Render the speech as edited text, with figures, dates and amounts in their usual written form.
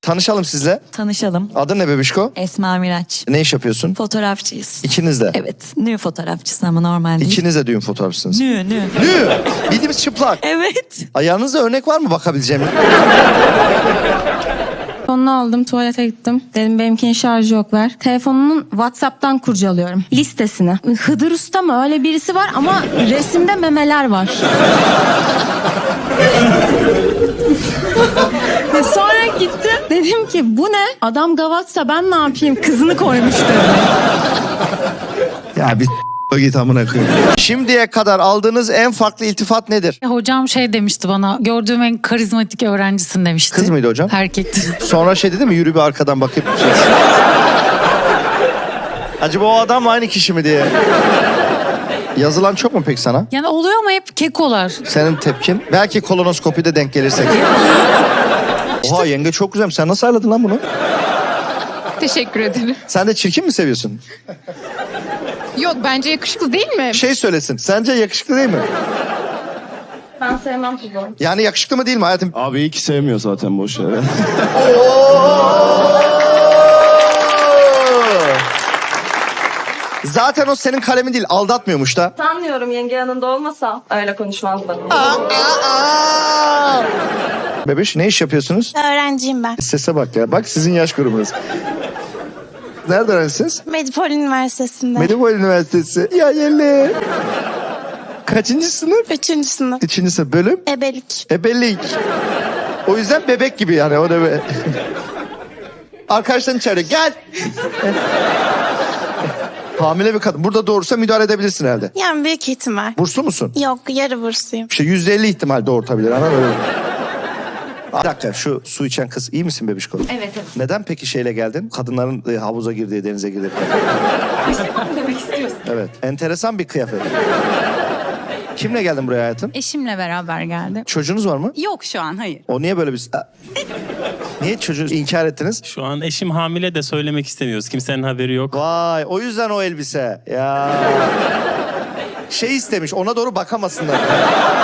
Tanışalım sizle. Tanışalım. Adın ne bebişko? Esma Miraç. Ne iş yapıyorsun? Fotoğrafçıyız. İkiniz de. Evet. Nü fotoğrafçısı ama normal değil. İkiniz de düğün fotoğrafçısınız. Nü. Nü! Bildiğimiz çıplak. Evet. Ayağınızda örnek var mı bakabileceğim? Telefonunu aldım, tuvalete gittim. Dedim benimkinin şarjı yok, ver. Telefonunun WhatsApp'tan kurcalıyorum. Listesini. Hıdır Usta mı? Öyle birisi var ama resimde memeler var. Ve sonra gittim. Dedim ki bu ne? Adam gavatsa ben ne yapayım? Kızını koymuş dedi. Ya bir git amına koyayım. Şimdiye kadar aldığınız en farklı iltifat nedir? Hocam şey demişti bana, gördüğüm en karizmatik öğrencisin demişti. Kız mıydı hocam? Erkekti. Sonra şey dedi mi? Yürü bir arkadan bakıp şey. Acaba o adam mı aynı kişi mi diye. Yazılan çok mu peki sana? Yani oluyor ama hep kekolar. Senin tepkin? Belki kolonoskopide denk gelirsek. Oha yenge çok güzel. Sen nasıl ayarladın lan bunu? Teşekkür ederim. Sen de çirkin mi seviyorsun? Yok bence yakışıklı değil mi? Şey söylesin. Sence yakışıklı değil mi? Ben sevmem futbol. Yani yakışıklı mı değil mi hayatım? Abi iyi ki sevmiyor zaten boş ver. Zaten o senin kalemin değil. Aldatmıyormuş da. Sanmıyorum, yenge yanında olmasa öyle konuşmazdı. Bebeş ne iş yapıyorsunuz? Öğrenciyim ben. Sese bak ya. Bak sizin yaş grubunuz. Nerede öğrencisiniz? Medipol Üniversitesi'nde. Medipol Üniversitesi. Ya yelle. Kaçıncı sınıf? 3. sınıf. Üçüncü sınıf. Bölüm? Ebelik. Ebelik. O yüzden bebek gibi yani. O da be. Arkadaşların çağırıyor. Gel. Hamile bir kadın. Burada doğursa müdahale edebilirsin herhalde. Yani büyük ihtimal. Burslu musun? Yok, yarı bursluyum. İşte %50 ihtimal doğurtabilir. Anladın mı? Bir dakika şu su içen kız iyi misin bebişko? Evet. Neden peki şeyle geldin? Kadınların havuza girdiği, denize girdiği Demek istiyorsun. Evet. Enteresan bir kıyafet. Kimle geldin buraya hayatım? Eşimle beraber geldim. Çocuğunuz var mı? Yok şu an, hayır. O niye böyle bir... Niye çocuğu inkar ettiniz? Şu an eşim hamile de söylemek istemiyoruz. Kimsenin haberi yok. Vay o yüzden o elbise. Ya. Şey istemiş ona doğru bakamasınlar.